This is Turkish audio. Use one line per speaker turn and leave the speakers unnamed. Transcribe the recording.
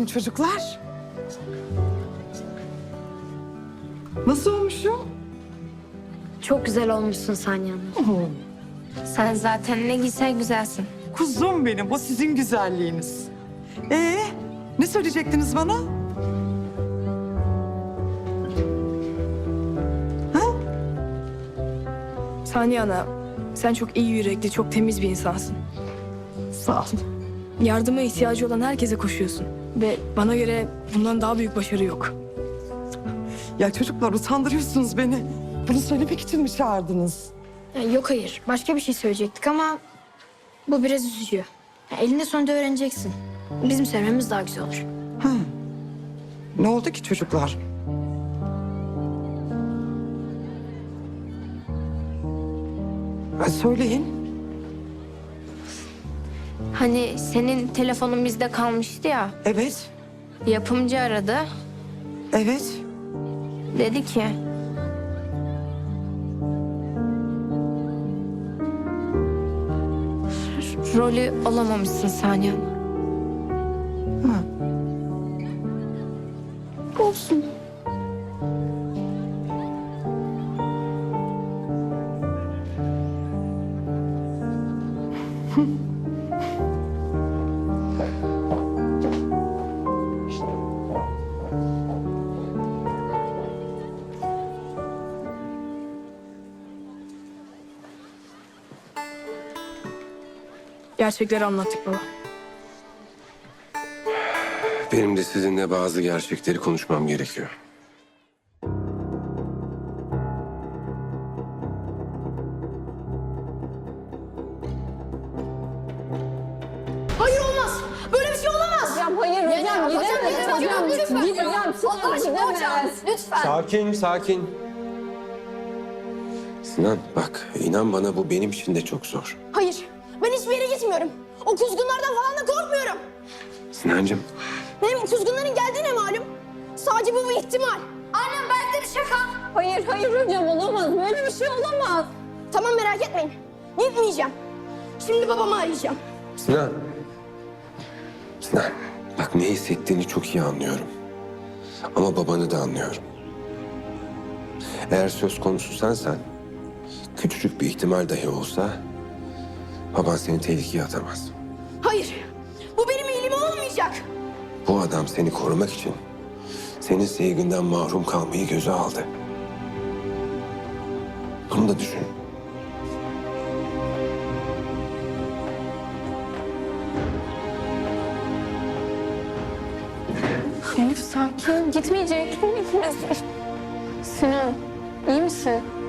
bakayım çocuklar. Nasıl olmuşum?
Çok güzel olmuşsun Saniye Hanım. Sen zaten ne giysen güzelsin.
Kuzum benim, o sizin güzelliğiniz. Ne söyleyecektiniz bana?
Saniye Ana, sen çok iyi yürekli, çok temiz bir insansın.
Sağ ol.
Yardıma ihtiyacı olan herkese koşuyorsun. Ve bana göre bundan daha büyük başarı yok.
Ya çocuklar utandırıyorsunuz beni. Bunu söylemek için mi çağırdınız?
Yok hayır. Başka bir şey söyleyecektik ama bu biraz üzücü. Elinde sonunda öğreneceksin. Bizim söylememiz daha güzel olur.
Ne oldu ki çocuklar? Söyleyin.
Hani senin telefonun bizde kalmıştı ya.
Evet,
Yapımcı aradı.
evet.
Dedi ki... Rolü alamamışsın Saniye Hanım. Olsun.
Gerçekleri anlattık baba.
Benim de sizinle bazı gerçekleri konuşmam gerekiyor.
Hayır olmaz. Böyle bir şey olamaz.
Hocam hayır hocam gidemez hocam.
Lütfen.
Gideceğim
Allah aşkına hocam. Lütfen.
Sakin, sakin. Sinan bak, inan bana bu benim için de çok zor.
Hayır. Ben hiçbir yere gitmiyorum. O kuzgunlardan falan da korkmuyorum.
Sinancığım,
Benim kuzgunların geldiğine malum. Sadece bu bir ihtimal. Annem belki de bir şaka.
Hayır hayır hocam olamaz. Böyle bir şey olamaz.
Tamam merak etmeyin. Gitmeyeceğim. Şimdi babamı arayacağım.
Sinan. Sinan, bak ne hissettiğini çok iyi anlıyorum. Ama babanı da anlıyorum. Eğer söz konusu sensen, küçücük bir ihtimal dahi olsa... baban seni tehlikeye atamaz.
Hayır. Bu benim iyiliğime olmayacak.
Bu adam seni korumak için senin sevginden mahrum kalmayı göze aldı. Bunu da düşün.
Elif sakin gitmeyecek. Sinan iyi misin?